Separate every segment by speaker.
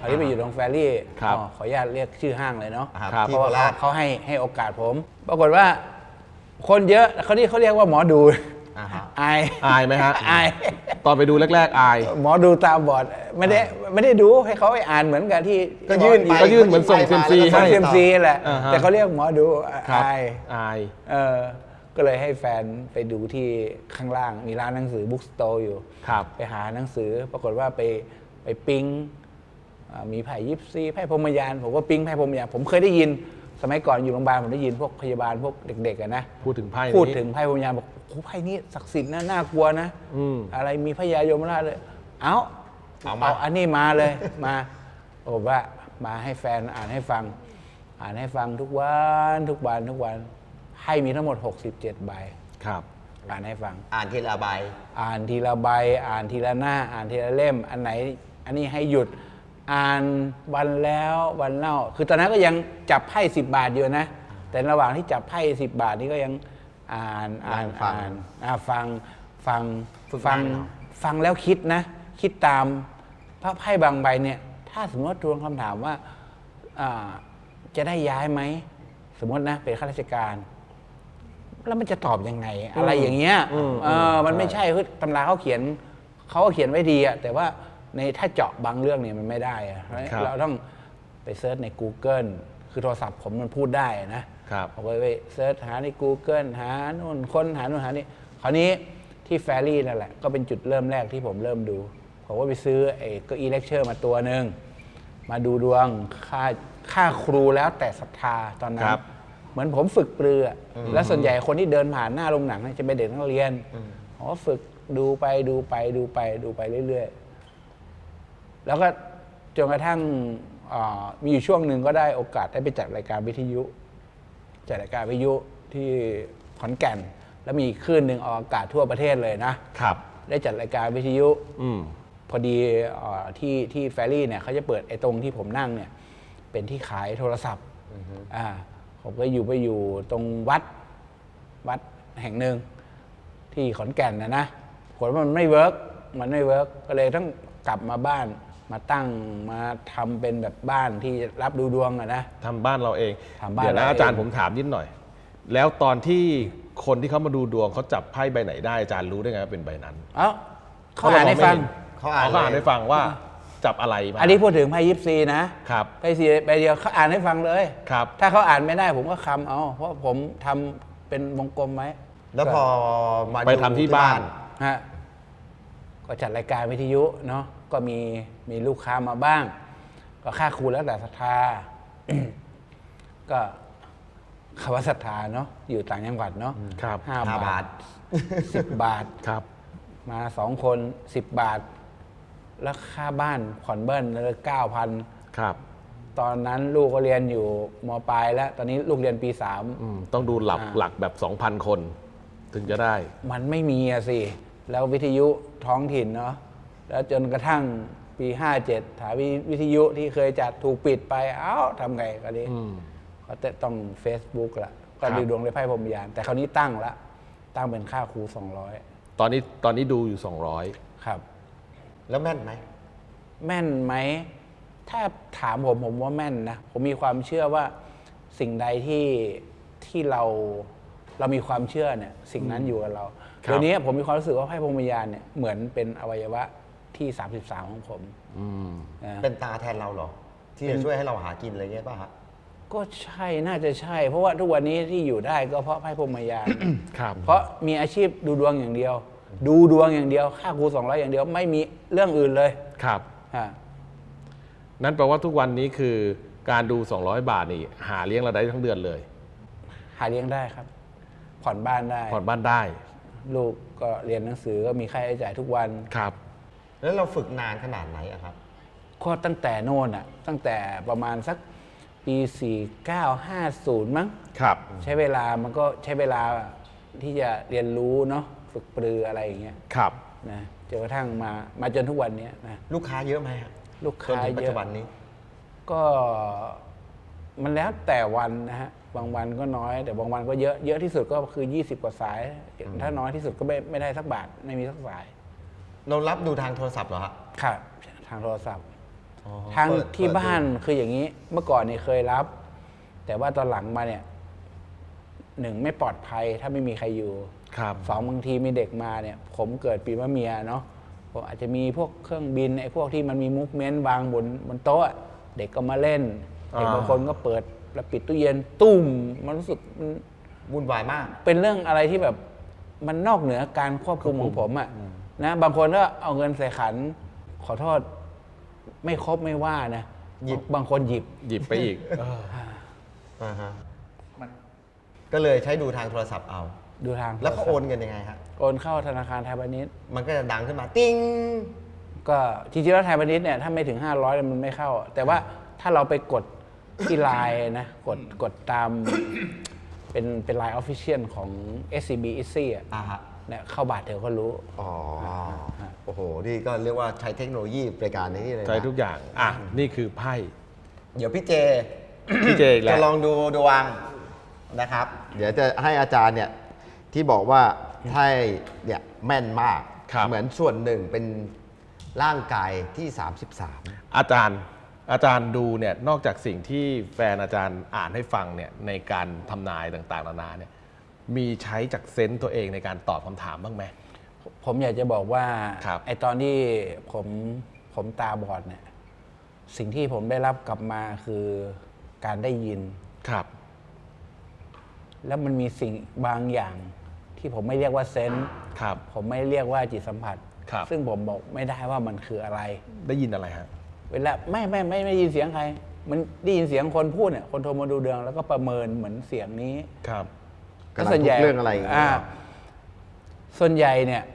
Speaker 1: คราวนี้ไปอยู่ตรงแฟรี่
Speaker 2: ครับ
Speaker 1: ขออนุญาตเรียกชื่อห้างเลยเนาะ
Speaker 2: ครับ
Speaker 1: เพราะว่าเขาให้โอกาสผม ปรากฏว่าคนเยอะเขาเรียกว่าหมอดูอาย
Speaker 2: อายไหมฮะ
Speaker 1: อาย
Speaker 2: ตอนไปดูแรกๆอาย
Speaker 1: หมอดูตาบอดไม่ได้ดูให้เขาไปอ่านเหมือนกับที่
Speaker 3: ก็ยื่นไป
Speaker 2: ก็ยื่นเหมือนส่ง CMC
Speaker 1: ให้
Speaker 2: ให้
Speaker 1: เซมซีแหละ
Speaker 2: อ่าฮะ
Speaker 1: แต่เขาเรียกหมอดู
Speaker 2: ครับ
Speaker 1: อาย
Speaker 2: อาย
Speaker 1: ก็เลยให้แฟนไปดูที่ข้างล่างมีร้านหนังสือบุ๊กสโตร์อยู่
Speaker 2: ครับ
Speaker 1: ไปหาหนังสือปรากฏว่าไปปิ๊งมีไพ่ยิปซีไพ่พรหมยานผมก็ปิ๊งไพ่พรหมยานผมเคยได้ยินสมัยก่อนอยู่โรงพยาบาลผมได้ยินพวกพยาบาลพวกเด็กๆนะ
Speaker 2: พูดถึงไพ่นี้
Speaker 1: พูดถึงไพ่พรหมยานบอกโอ้ไพ่นี้ศักดิ์สิทธิ์นะน่ากลัวนะอะไรมีพญายมราชเลยเอาอันนี้มาเลยมาบอกว่ามาให้แฟนอ่านให้ฟังทุกวันให้มีทั้งหมด67ใบ
Speaker 2: ครับ
Speaker 1: อ่านให้ฟัง
Speaker 3: อ่านทีละใบ
Speaker 1: อ่านทีละใบอ่านทีละหน้าอ่านทีละเล่มอันไหนอันนี้ให้หยุดอ่านวันแล้ววันเล่าคือตอนนั้นก็ยังจับไพ่10 บาทอยู่นะแต่ระหว่างที่จับไพ่10 บาทนี้ก็ยังฟังแล้วคิดนะคิดตามพระไพ่บางใบเนี่ยถ้าสมมติทวงคำถามว่าจะได้ย้ายไหมสมมตินะเป็นข้าราชการแล้วมันจะตอบยังไงอะไรอย่างเงี้ยมันไม่ใช่คือตำราเขาเขียนไว้ดีอะแต่ว่าในถ้าเจาะบางเรื่องเนี่ยมันไม่ได้อะเราต้องไปเซิร์ชใน Google คือโทรศัพท์ผมมันพูดได้นะครับผมไปเซิร์ชหาใน Google หาโน่นค้นหาโน่นหานี่คราวนี้ที่แฟรี่นั่นแหละก็เป็นจุดเริ่มแรกที่ผมเริ่มดูผมก็ไปซื้อเก้าอี้เลคเชอร์มาตัวหนึ่งมาดูดวงค่าครูแล้วแต่ศรัทธาตอนนั้นเหมือนผมฝึกปรือแล้วส่วนใหญ่คนที่เดินผ่านหน้าโรงหนังจะเป็นเด็กนักเรียนผมก็ฝึกดูไปเรื่อยๆแล้วก็จนกระทั่งมีอยู่ช่วงหนึ่งก็ได้โอกาสได้ไปจัดรายการวิทยุที่ขอนแก่นแล้วมีคลื่นหนึ่งออกอากาศทั่วประเทศเลยนะครับได้จัดรายการวิทยุพอดีที่แฟรี่เนี่ยเขาจะเปิดไอ้ตรงที่ผมนั่งเนี่ยเป็นที่ขายโทรศัพท์ผมก็ไปอยู่ตรงวัดแห่งหนึ่งที่ขอนแก่นนะผลมันไม่เวิร์กก็เลยต้องกลับมาบ้านมาทำเป็นแบบบ้านที่รับดูดวงนะ
Speaker 2: ทำบ้านเราเอง
Speaker 1: เดี๋ยวนะ
Speaker 2: อาจารย์ผมถามนิดหน่อยแล้วตอนที่คนที่เขามาดูดวงเขาจับไพ่ใบไหนได้อาจารย์รู้ได้ไงว่าเป็นใบนั้น
Speaker 1: เขาอ่านให้ฟัง
Speaker 3: เขาอ่าน
Speaker 2: ให้ฟังว่าจับอะไรมา
Speaker 1: อันนี้พูดถึงไพ่ยิปซีนะครับไพ่ซีใบเดียวเขาอ่านให้ฟังเลย
Speaker 2: ครับ
Speaker 1: ถ้าเขาอ่านไม่ได้ผมก็คำเอาเพราะผมทำเป็นวงกลมไว้
Speaker 3: แล้วพอมา
Speaker 2: ไปทำที่บ้าน
Speaker 1: ก็จัดรายการวิทยุเนาะก็มีลูกค้ามาบ้าง ก็ค่าครูแล้วแต่ศรัทธา ก็คำว่าศรัทธาเนาะอยู่ต่างจังหวัดเนาะ5 บาท10 บาท
Speaker 2: ครับ
Speaker 1: มา2 คน10 บาทแล้วค่าบ้านผ่อนเบิ้ลเลย9,000
Speaker 2: ครับ
Speaker 1: ตอนนั้นลูกก็เรียนอยู่ม.ปลายแล้วตอนนี้ลูกเรียนปี3
Speaker 2: ต้องดูหลักแบบ 2,000 คนถึงจะได้
Speaker 1: มันไม่มีสิแล้ววิทยุท้องถิ่นเนาะแล้วจนกระทั่งปี57ถาวิทยุที่เคยจัดถูกปิดไปทำไงก็นี้ก็ต้อง Facebook ละก็ดูดวงด้วยไพ่พรหมยานแต่คราวนี้ตั้งเป็นค่าครู200
Speaker 2: ตอนนี้ดูอยู่200
Speaker 1: ครับ
Speaker 3: แล้วแม่นไหม
Speaker 1: ถ้าถามผมว่าแม่นนะผมมีความเชื่อว่าสิ่งใดที่เรามีความเชื่อเนี่ยสิ่งนั้นอยู่กับเราเดี๋ยวนี้ผมมีความรู้สึกว่าไพ่พรหมยานเนี่ยเหมือนเป็นอวัยวะที่33ของผม
Speaker 3: เป็นตาแทนเราเหรอที่จะช่วยให้เราหากินอะไรเงี้ยป่ะฮะ
Speaker 1: ก็ใช่น่าจะใช่เพราะว่าทุกวันนี้ที่อยู่ได้ก็เพราะไพ่พรหมยานเพราะมีอาชีพดูดวงอย่างเดียวค่าครู200อย่างเดียวไม่มีเรื่องอื่นเลย
Speaker 2: ครับนั้นแปลว่าทุกวันนี้คือการดู200 บาทนี่หาเลี้ยงเราได้ทั้งเดือนเลย
Speaker 1: หาเลี้ยงได้ครับผ่อนบ้านได้ลูกก็เรียนหนังสือก็มีค่าใช้จ่ายทุกวัน
Speaker 2: ครับ
Speaker 3: แล้วเราฝึกนานขนาดไหนครับ
Speaker 1: ก็ตั้งแต่โน่นตั้งแต่ประมาณสักปี4950มั้ง
Speaker 2: ครับ
Speaker 1: ใช้เวลามันก็ใช้เวลาที่จะเรียนรู้เนาะฝึกปรืออะไรอย่างเงี้ย
Speaker 2: ครับ
Speaker 1: นะจนกระทั่งมาจนทุกวันนี้นะ
Speaker 3: ลูกค้าเยอะไหมครับ
Speaker 1: ลูกค้าเยอะปัจจุ
Speaker 3: บันนี้
Speaker 1: ก็มันแล้วแต่วันนะฮะบางวันก็น้อยแต่บางวันก็เยอะที่สุดก็คือ20 กว่าสายถ้าน้อยที่สุดก็ไม่ได้สักบาทไม่มีสักสาย
Speaker 3: เรารับดูทางโทรศัพท์เหรอครับ
Speaker 1: ครับทางโทรศัพท์
Speaker 3: อ๋อ
Speaker 1: ทาง
Speaker 3: เปิด
Speaker 1: ที่
Speaker 3: เปิด
Speaker 1: บ้าน
Speaker 3: ดู
Speaker 1: คืออย่างนี้เมื่อก่อนเนี่ยเคยรับ แต่ว่าตอนหลังมาเนี่ยหนึ่งไม่ปลอดภัยถ้าไม่มีใครอยู่
Speaker 2: ครับ
Speaker 1: สองบางทีมีเด็กมาเนี่ยผมเกิดปีมะเมียเนาะผมอาจจะมีพวกเครื่องบินไอ้พวกที่มันมีมูฟเมนต์วางบนโต๊ะอะเด็กก็มาเล่นเด็กบางคนก็เปิดแล้วปิดตู้เย็นตุ้มมันรู้สึกมัน
Speaker 3: วุ่นวายมาก
Speaker 1: เป็นเรื่องอะไรที่แบบมันนอกเหนือการควบคุมของผมอะนะบางคนก็เอาเงินใส่ขันขอโทษไม่ครบไม่ว่านะ
Speaker 3: หยิบ
Speaker 1: บางคนหยิบ
Speaker 2: หยิบไปอีก
Speaker 3: อ่าฮะก็เลยใช้ดูทางโทรศัพท์เอา
Speaker 1: ดูทาง
Speaker 3: แล้วเขาโอนเงินยังไงฮะ
Speaker 1: โอนเข้าธนาคารไทยพาณิชย์
Speaker 3: มันก็จะดังขึ้นมา ติ้ง
Speaker 1: ก็จริงๆแล้วไทยพาณิชย์เนี่ยถ้าไม่ถึง 500เนี่ยมันไม่เข้า แต่ว่าถ้าเราไปกดที่ไลน์นะกดตามเป็นไลน์ออฟฟิเชียลของ SCB Easy อ่ะ
Speaker 3: อ่าฮะ
Speaker 1: เนี่ยเข้าบาทเดี๋ยวก็รู้
Speaker 3: อ๋อ โอ้โห นี่ก็เรียกว่าใช้เทคโนโลยีในการนี้เลยนะ
Speaker 2: ใช้ทุกอย่าง อ่ะ นี่คือไพ่
Speaker 3: เดี๋ยวพี่เจ
Speaker 2: พี่เจอีกแล้ว
Speaker 3: จะลองดูดวงนะครับ เดี๋ยวจะให้อาจารย์เนี่ยที่บอกว่าไพ่เนี่ยแม่นมาก
Speaker 2: ครับ
Speaker 3: เหมือนส่วนหนึ่งเป็นร่างกายที่ 33
Speaker 2: อาจารย์ดูเนี่ยนอกจากสิ่งที่แฟนอาจารย์อ่านให้ฟังเนี่ยในการทำนายต่างๆนานาเนี่ยมีใช้จากเซนต์ตัวเองในการตอบคำถามบ้างไหม
Speaker 1: ผมอยากจะบอกว่า
Speaker 2: ครับ
Speaker 1: ไอตอนที่ผมตาบอดเนี่ยสิ่งที่ผมได้รับกลับมาคือการได้ยิน
Speaker 2: ครับ
Speaker 1: แล้วมันมีสิ่งบางอย่างที่ผมไม่เรียกว่าเซนส์
Speaker 2: ครับ
Speaker 1: ผมไม่เรียกว่าจิตสัมผัส
Speaker 2: ครับ
Speaker 1: ซึ่งผมบอกไม่ได้ว่ามันคืออะไร
Speaker 2: ได้ยินอะไรฮะ
Speaker 1: เวลาไม่ได้ยินเสียงใคร มันได้ยินเสียงคนพูดเนี่ยคนโทรมาดูดวงแล้วก็ประเมินเหมือนเสียงนี้
Speaker 2: ครับ
Speaker 3: กำลังทุกเรื่องอะไรอย่างเงี้ย
Speaker 1: ส่วนใหญ่เนี่ย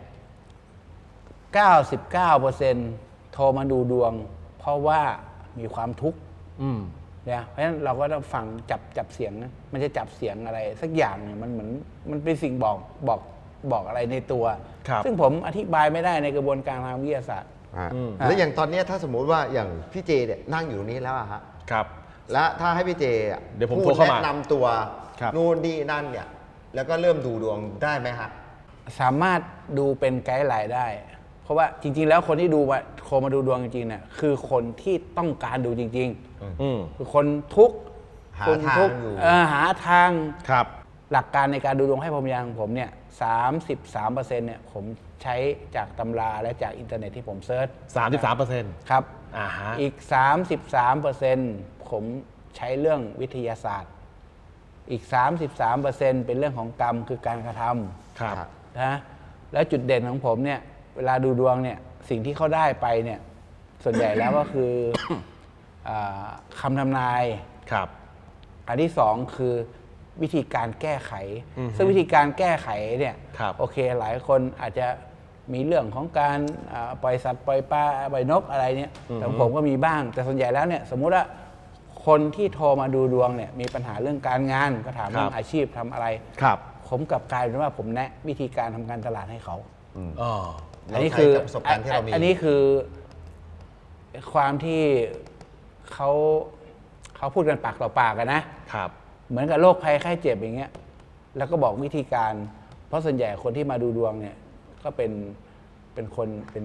Speaker 1: 99%โทรมาดูดวง เพราะว่ามีความทุกข์
Speaker 2: อืม
Speaker 1: เนี่ยเพราะฉะนั้นเราก็ต้องฟังจับเสียงนะมันจะจับเสียงอะไร สักอย่างเนี่ยมันเหมือนมันเป็นสิ่งบอกอะไรในตัว
Speaker 2: ครับ
Speaker 1: ซึ่งผมอธิบายไม่ได้ในกระบวนการทางวิทยาศาสตร์
Speaker 3: แล้วอย่างตอนเนี้ยถ้าสมมุติว่าอย่างพี่เจเนี่ยนั่งอยู่ตรงนี้แล้วอะฮะ
Speaker 2: ครับ
Speaker 3: และถ้าให้พี่เจอะ
Speaker 2: เดี๋ยวผม
Speaker 3: พู
Speaker 2: โทรเข้ามา
Speaker 3: แนะนำตัว
Speaker 2: ครับ
Speaker 3: นู่นนี่นั่นเนี่ย แล้วก็เริ่มดูดวงได้ไหมฮะ
Speaker 1: สามารถดูเป็นไกด์ไลน์ได้ เพราะว่าจริง ๆ แล้วคนที่โทรมาดูดวงจริงๆเนี่ยคือคนที่ต้องการดูจริง
Speaker 2: อืม
Speaker 1: ๆ คือคนทุกข์
Speaker 3: หา
Speaker 1: คน
Speaker 3: ทาง
Speaker 1: ทุกข์
Speaker 3: อยู่
Speaker 1: หาทาง
Speaker 2: ครับ
Speaker 1: หลักการในการดูดวงให้ผมยังผมเนี่ย33%เนี่ยผมใช้จากตำราและจากอินเทอร์เน็ตที่ผมเซิร์ช
Speaker 2: 33%
Speaker 1: ครับ
Speaker 2: อ่าฮะ
Speaker 1: อีก 33%ผมใช้เรื่องวิทยาศาสตร์ อีก 33%เป็นเรื่องของกรรมคือการกระท
Speaker 2: ครับ
Speaker 1: ำนะแล้วจุดเด่นของผมเนี่ยเวลาดูดวงเนี่ยสิ่งที่เขาได้ไปเนี่ยส่วนใหญ่แล้วก็คือ คำทำนาย
Speaker 2: ครับ
Speaker 1: อันที่สองคือวิธีการแก้ไข ซึ่งวิธีการแก้ไขเนี่ย
Speaker 2: ครับ
Speaker 1: โอเคหลายคนอาจจะมีเรื่องของการปล่อยสัตว์ปล่อยปลาปล่อยนกอะไรเนี่ยแต่ผมก็มีบ้าง แต่ส่วนใหญ่แล้วเนี่ยสมมุติว่าคนที่โทรมาดูดวงเนี่ยมีปัญหาเรื่องการงานก็ถามเรื่องอาชีพทำอะไร
Speaker 2: ครับ
Speaker 1: ผมกลับกลายเป็นว่าผมแนะวิธีการทำการตลาดให้เขา
Speaker 2: อ๋อ
Speaker 1: อันนี้คือ
Speaker 3: เราใช้จากประสบการณ์ที่เรามี
Speaker 1: อันนี้คือความที่เขาพูดกันปากต่อปากกันนะ
Speaker 2: ครับ
Speaker 1: เหมือนกับโรคภัยไข้เจ็บอย่างเงี้ย แล้วก็บอกวิธีการ เพราะส่วนใหญ่คนที่มาดูดวงเนี่ย ก็เป็นคนเป็น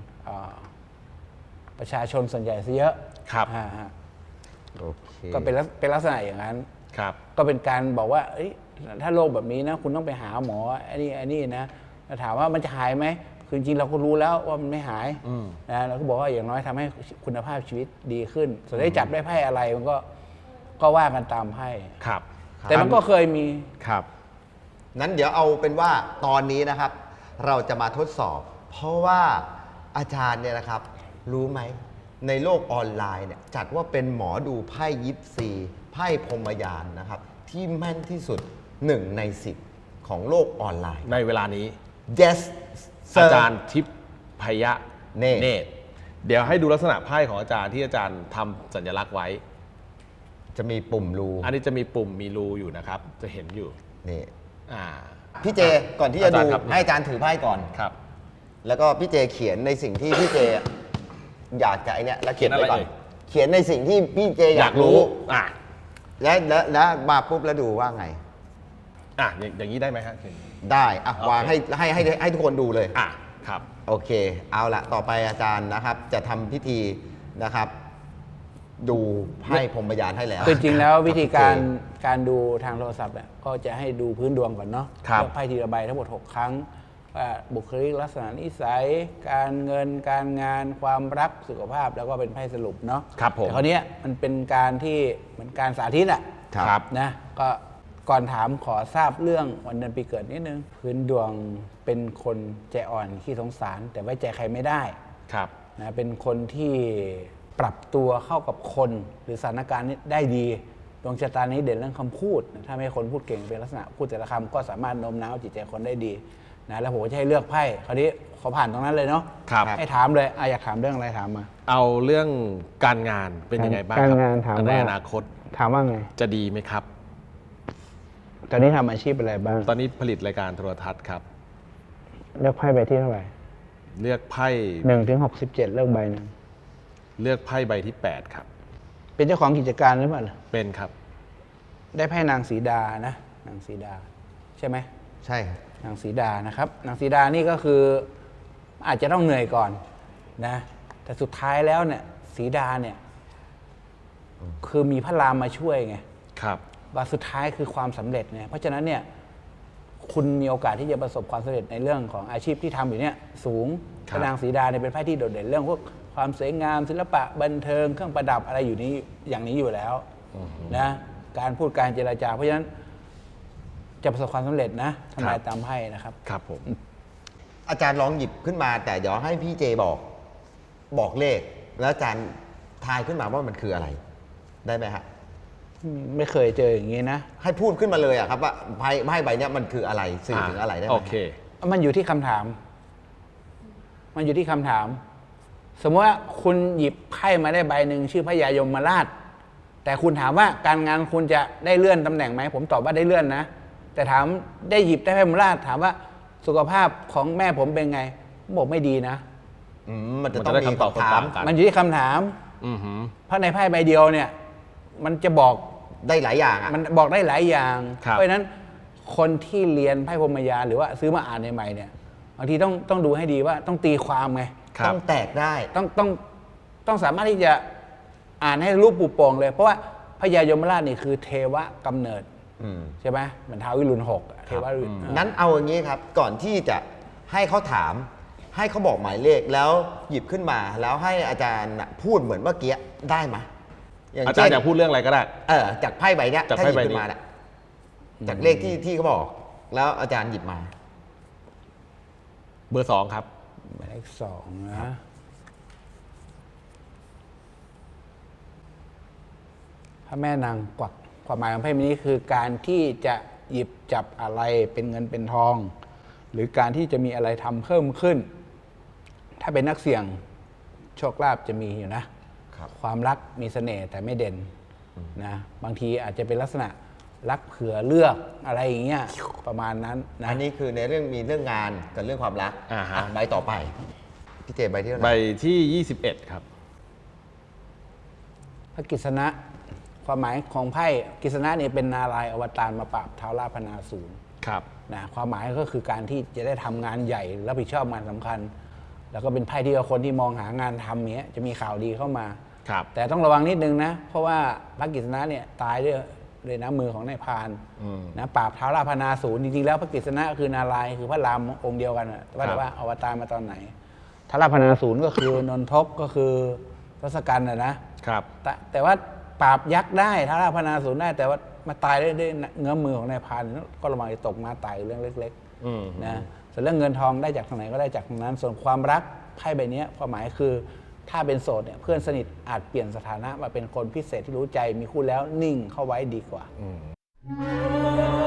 Speaker 1: ประชาชนส่วนใหญ่ซะเยอะ
Speaker 2: ครับ
Speaker 1: ฮะ
Speaker 3: โอเค
Speaker 1: ก็เป็นลักษณะอย่างนั้น
Speaker 2: ครับ
Speaker 1: ก็เป็นการบอกว่าเอ้ยถ้าโรคแบบนี้นะคุณต้องไปหาหมอไอ้นี่นะแล้วถามว่ามันจะหายไหมคือจริงๆเราก็รู้แล้วว่ามันไม่หายนะเราก็บอกว่าอย่างน้อยทำให้คุณภาพชีวิตดีขึ้น ส่วนได้จับได้ไพ่อะไรมันก็ว่ากันตามไพ่
Speaker 2: ครับ
Speaker 1: แต่มันก็เคยมี
Speaker 2: ครับ
Speaker 3: นั้นเดี๋ยวเอาเป็นว่าตอนนี้นะครับ เราจะมาทดสอบ เพราะว่าอาจารย์เนี่ยนะครับ รู้ไหมในโลกออนไลน์เนี่ยจัดว่าเป็นหมอดูไพ่ยิปซีไพ่พรหมยานนะครับ ที่แม่นที่สุด1 ใน 10 ของโลกออนไลน์
Speaker 2: ในเวลานี้
Speaker 3: yes sir
Speaker 2: อาจารย์ทิพย์พยะ
Speaker 3: เนตร
Speaker 2: ตรเดี๋ยวให้ดูลักษณะไพ่ของอาจารย์ที่อาจารย์ทำสัญลักษณ์ไว้
Speaker 3: จะมีปุ่มรู
Speaker 2: อันนี้จะมีปุ่มมีรูอยู่นะครับ จะเห็นอยู่
Speaker 3: นี่
Speaker 2: อ่า
Speaker 3: พี่เจก่อนที่จะดู
Speaker 2: อาจารย์ครับ
Speaker 3: ให้อาจารย์ถือไพ่ก่อน
Speaker 2: ครับ
Speaker 3: แล้วก็พี่เจเขียนในสิ่งที่พี่เจอยากจะไอเนี้ยแล้วเขียน
Speaker 2: เขียน
Speaker 3: ไป
Speaker 2: อะไร
Speaker 3: ก่อน
Speaker 2: เอ่ย
Speaker 3: เขียนในสิ่งที่พี่เจอยากรู้
Speaker 2: อ่ะ
Speaker 3: แล้วมาปุ๊บแล้วดูว่าไง
Speaker 2: อ่ะอย่างนี้ได้ไหมฮะ
Speaker 3: ได้อ่ะ
Speaker 2: โอเค
Speaker 3: วางให้ทุกคนดูเลย
Speaker 2: อ่ะครับ
Speaker 3: โอเค เอาละต่อไปอาจารย์นะครับ จะทำพิธีนะครับดูไพ่พรหมยานให้แล้ว
Speaker 1: คือจริงแล้ววิธีการ
Speaker 3: โอเค
Speaker 1: การดูทางโทรศัพท์เนี่ยก็จะให้ดูพื้นดวงก่อนเนาะ
Speaker 2: ครับ
Speaker 1: เลือกไพ่ทีละใบทั้งหมด 6 ครั้งว่าบุคลิกลักษณะนิสัย การเงินการงานความรักสุขภาพแล้วก็เป็นไพ่สรุปเนาะ
Speaker 2: ครับผม
Speaker 1: แต่คราวเนี้ยมันเป็นการที่เหมือนการสาธิตอะ
Speaker 2: ครับ
Speaker 1: นะก็ก่อนถามขอทราบเรื่องวันเดือนปีเกิดนิดนึงพื้นดวงเป็นคนใจอ่อนขี้สงสาร แต่ไว้ใจใครไม่ได้
Speaker 2: ครับ
Speaker 1: นะเป็นคนที่ปรับตัวเข้ากับคนหรือสถานการณ์นี้ได้ดีดวงชะตานี้เด่นเรื่องคำพูดนะถ้าไม่คนพูดเก่งเป็นลักษณะพูดแต่ละคำก็สามารถโน้มน้าวจิตใจคนได้ดีนะแล้วผมก็จะให้เลือกไพ่คราวนี้ขอผ่านตรงนั้นเลยเนาะ
Speaker 2: ครับ
Speaker 1: ให้ถามเลยอยากถามเรื่องอะไรถามมา
Speaker 2: เอาเรื่องการงานเป็นยังไงบ้างค
Speaker 1: การ
Speaker 2: รับ
Speaker 1: งานถาม
Speaker 2: ใน
Speaker 1: ว่า
Speaker 2: อนาคต
Speaker 1: ถามว่าไง
Speaker 2: จะดีไหมครับ
Speaker 1: ตอนนี้ทำอาชีพอะไรบ้าง
Speaker 2: ตอนนี้ผลิตรายการโทรทัศน์ครับ
Speaker 1: เลือกไพ่ใบที่เท่าไหร่
Speaker 2: เลือกไพ่
Speaker 1: 1-67เลือกใบหนึ่ง
Speaker 2: เลือกไพ่ใบที่ 8 ครับ
Speaker 1: เป็นเจ้าของกิจการหรือเปล่า
Speaker 2: เป็นครับ
Speaker 1: ได้ไพ่นางสีดานะนางสีดาใช่ไหม
Speaker 3: ใช่ครับ
Speaker 1: นางสีดานะครับนางสีดานี่ก็คืออาจจะต้องเหนื่อยก่อนนะแต่สุดท้ายแล้วเนี่ยสีดาเนี่ยคือมีพระรามมาช่วยไง
Speaker 2: ครับ
Speaker 1: ว่าสุดท้ายคือความสำเร็จไงเพราะฉะนั้นเนี่ยคุณมีโอกาสที่จะประสบความสำเร็จในเรื่องของอาชีพที่ทำอยู่เนี่ยสูง
Speaker 2: ครับ
Speaker 1: พระนางสีดาเนี่ยเป็นไพ่ที่โดดเด่นเรื่องพวกความสวยงามศิลปะบันเทิงเครื่องประดับอะไรอยู่นี้อย่างนี้อยู่แล้วนะการพูดการเจรจาเพราะฉะนั้นจะประสบความสำเร็จนะทำลายตามไพ่นะครับ
Speaker 2: ครับผม
Speaker 3: อาจารย์ลองหยิบขึ้นมา แต่เดี๋ยวให้พี่เจบอกเลข แล้วอาจารย์ทายขึ้นมาว่ามันคืออะไร ได้ไหมฮะ
Speaker 1: ไม่เคยเจออย่างนี้นะ
Speaker 3: ให้พูดขึ้นมาเลยอะครับว่าไพ่ใบเนี้ยมันคืออะไรสื่อถึงอะไรได้ไหม
Speaker 2: โอเค
Speaker 1: มันอยู่ที่คำถาม มันอยู่ที่คำถาม สมมติว่าคุณหยิบไพ่มาได้ใบหนึ่งชื่อพระยายมราช แต่คุณถามว่าการงานคุณจะได้เลื่อนตำแหน่งไหมผมตอบว่าได้เลื่อนนะ แต่ถามได้หยิบได้ไพ่ยมราช ถามว่าสุขภาพของแม่ผมเป็นไงผมบอกไม่ดีนะ
Speaker 3: มันจะต้อง
Speaker 2: มันจะได้
Speaker 3: มี
Speaker 2: คำตอบ
Speaker 3: คำถาม
Speaker 2: ต่างกัน
Speaker 1: มันอยู่ที่คำถาม
Speaker 2: อือหือ
Speaker 1: เพราะในไพ่ใบเดียวเนี่ย มันจะบอก
Speaker 3: ได้หลายอย่างอะ
Speaker 1: มันบอกได้หลายอย่าง
Speaker 2: ครับ
Speaker 1: เพราะฉะนั้นคนที่เรียนไพ่พรหมยานหรือว่าซื้อมาอ่านใหม่ๆเนี่ยบางทีต้องดูให้ดีว่าต้องตีความไง
Speaker 2: ครับ
Speaker 3: ต้องแตกได้
Speaker 1: ต้องสามารถที่จะอ่านให้รูปปูโป่งเลย เพราะว่าพระยายมราชนี่คือเทวะกำเนิด
Speaker 3: อืม
Speaker 1: ใช่ไหมเหมือนท้าววิรุณ6อะเทวะวิรุณ
Speaker 3: งั้นเอาอย่างนี้ครับ ก่อนที่จะให้เขาถาม ให้เขาบอกหมายเลขแล้วหยิบขึ้นมา แล้วให้อาจารย์น่ะพูดเหมือนเมื่อกี้ได้ไหมอย่าง
Speaker 2: อาจารย์
Speaker 3: เช่น
Speaker 2: อยากพูดเรื่องอะไรก็ได้
Speaker 3: จากไพ่ใบเนี้ย
Speaker 2: จาก
Speaker 3: ถ้า
Speaker 2: ไพ่
Speaker 3: หยิบ
Speaker 2: ใบ
Speaker 3: ขึ้
Speaker 2: นี้
Speaker 3: นมาน่ะจากเลขที่เขาบอก แล้วอาจารย์หยิบมา
Speaker 2: เบอร์ 2 ครับ
Speaker 1: หมายเลข2นะพระแม่นางกวักความหมายของไพ่ใบนี้คือการที่จะหยิบจับอะไรเป็นเงินเป็นทอง หรือการที่จะมีอะไรทำเพิ่มขึ้น ถ้าเป็นนักเสี่ยงโชคลาภจะมีอยู่นะ
Speaker 3: ครับ
Speaker 1: ความรักมีเสน่ห์แต่ไม่เด่นนะบางทีอาจจะเป็นลักษณะรักเผื่อเลือกอะไรอย่างเงี้ยประมาณนั้นนะ
Speaker 3: อันนี้คือในเรื่องมีเรื่องงานกับเรื่องความรัก
Speaker 2: อ่าฮะ
Speaker 3: ใบต่อไป พี่เจใบที่เท่าไห
Speaker 2: ใบ
Speaker 3: ร่
Speaker 2: ที่ 21 ครับ
Speaker 1: พระกฤษณะความหมายของไพ่กฤษณะเนี่ยเป็นนารายณ์อวตารมาปราบท้าวราพนาศูนย์
Speaker 2: ครับ
Speaker 1: นะความหมายก็คือการที่จะได้ทำงานใหญ่รับผิดชอบงานสำคัญ แล้วก็เป็นไพ่ที่ว่าคนที่มองหางานทำเนี้ยจะมีข่าวดีเข้ามา
Speaker 2: ครับ
Speaker 1: แต่ต้องระวังนิดนึงนะ เพราะว่าพระกฤษณะเนี่ยตายด้วยน้ำมือของนายพรานนะปราบท้าวราพนาศูนย์จริงๆแล้วพระกฤษณะคือนารายณ์คือพระรามองค์เดียวกันนะแต่ว่าอวตารมาตอนไหนท้าวราพนาศูนย์ก็คือนนทกก็คือทศกัณฐ์นะครับ แต่ว่าปราบยักษ์ได้ท้าวราพนาศูนย์ได้ แต่ว่ามาตายด้วยเงื้อมือของนายพรานก็ระวังจะตกมาตายเรื่องเล็ก
Speaker 2: อืม
Speaker 1: ๆนะส่วนเรื่องเงินทองได้จากทางไหนก็ได้จากทางนั้น ส่วนความรักไพ่ใบนี้ความหมายคือถ้าเป็นโสดเนี่ยเพื่อนสนิทอาจเปลี่ยนสถานะมาเป็นคนพิเศษที่รู้ใจมีคู่แล้วนิ่งเข้าไว้ดีกว่า
Speaker 2: อืม